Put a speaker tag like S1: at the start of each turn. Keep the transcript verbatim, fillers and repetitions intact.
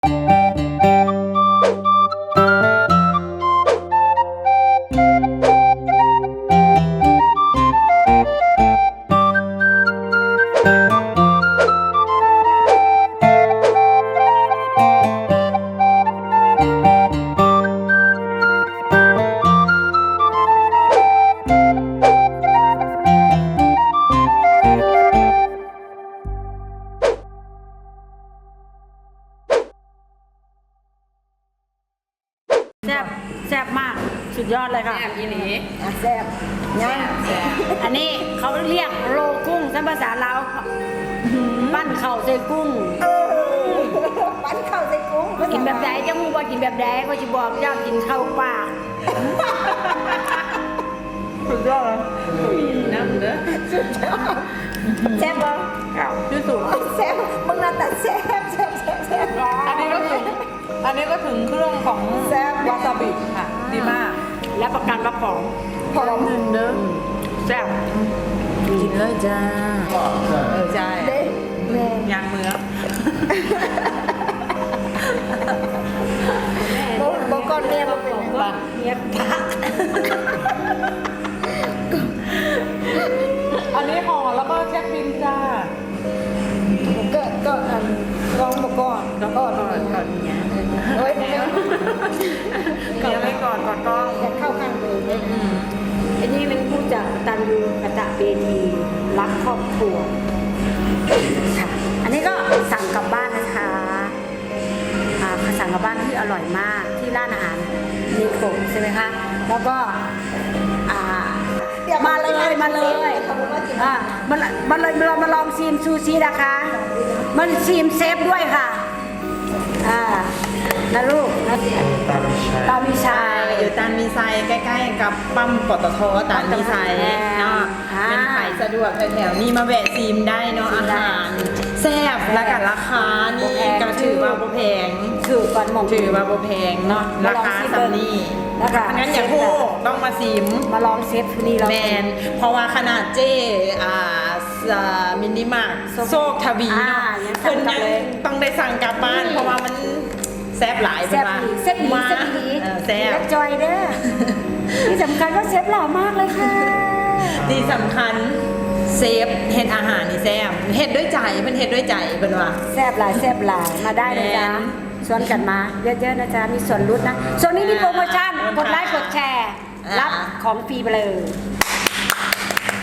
S1: แซ่บแซ่บมากสุดยอดเลยค่ะ
S2: แซ่บอีหลี
S1: แซ่บยังอันนี้เขาเรียกโลกุ้งภาษาลาวปั้นเข่าใส่กุ้ง
S3: ปั้นข้าวใส่กุ้ง
S1: กินแบบใดจะมูว่ากินแบบใดก็จะบอกเจ้ากินข้าวปาก
S2: สุดยอดเลยน้ำเด้อ
S3: แซ่บบ่
S1: เก่า
S2: ที่สุด
S3: แซ่บมึงน่าแต่แซ่บแซ่บแซ่บแซ่บ
S2: อันนี้ก็ถึงอันนี้ก็ถึงเครื่องของ
S3: แซ่บ
S2: วาซาบิค่ะดีมาก
S1: และประกันว่าของ
S3: หอม
S2: หนึ่งเด้อ
S1: แซ่บ
S2: กินเลยจ้าเออใช่
S3: เด้แม่
S2: ยางเมือง
S3: บ่บ่ก่อนแม่บ่เป็น
S1: ว่าเมียพัก
S2: อันนี้ห่อแล้วก็เช็คบินจ้า
S3: ก็ก็อันร้องบ่ก่อน
S2: ก่อนก่อนก่อนเนี้ย
S3: โอ้ยแม่
S2: เนี้ยไม่ก่อนก่อนต้อง
S3: อยากเข้าข้างเลยเด้
S2: อืม
S1: อันนี้เป็นผู้จัดตันยูกตะเบนีรักครอบครัวค่ะอันนี้ก็สั่งกลับบ้านนะคะอ่าสั่งกลับบ้านที่อร่อยมากที่ร้านอาหารนิโคใช่ไหมคะแล้วก็อ่า มาเลยมาเลยอ่ามามาเลยเรามาลองซีมซูชินะคะมาซีมเซฟด้วยค่ะอ่านะลูกนะตามีชัย
S2: อยู่ตานมีไซใกล้ๆกับปั๊มปตทตานมีไซเนาะ
S1: อ่า
S2: เป็นขายสะดวกแถวๆนี้มาแวะซีมได้เนาะอาหารแซ่บและกันราคานี่ก็ถือว่าบ่แพง
S1: ถือก่อนหมอง
S2: ถือว่าบ่แพงเนาะราคาสำนี่
S1: แล้วก็
S2: งั้นอย่าพูดต้องมาซิม
S1: มาลองเซฟนี่เรา
S2: แมนเพราะว่าขนาดเจอ่าสามินิมาร์ทโซกทวีเนาะ
S1: อ่ายังสั่
S2: เพิ่
S1: ง
S2: น
S1: กลับ
S2: ยัง
S1: เลย
S2: ต้องได้สั่งกลับบ้านเพราะว่ามันแซ่บหลาย
S1: เซฟ
S2: ว่า
S1: ดีเซฟดี
S2: มา
S1: เซฟดี
S2: เออแซ่บ
S1: และจอยเด้อที่สำคัญก็เซฟหล่อมากเลยค่ะ
S2: ที่สำคัญเซฟเฮ็ดอาหารนี่แซ่บเฮ็ดด้วยใจเพิ่นเฮ็ดด้วยใจเพิ่นว่า
S1: แซบหลายแซบหลายมาได้เลยจ้า
S2: แมน
S1: ชวนกันมาเยอะๆนะจ๊ะมีส่วนลดนะส่วนนี้มีโปรโมชั่น
S2: อ่าก
S1: ดไลค์กดแชร์
S2: อ่ารั
S1: รับของฟรีไปเลย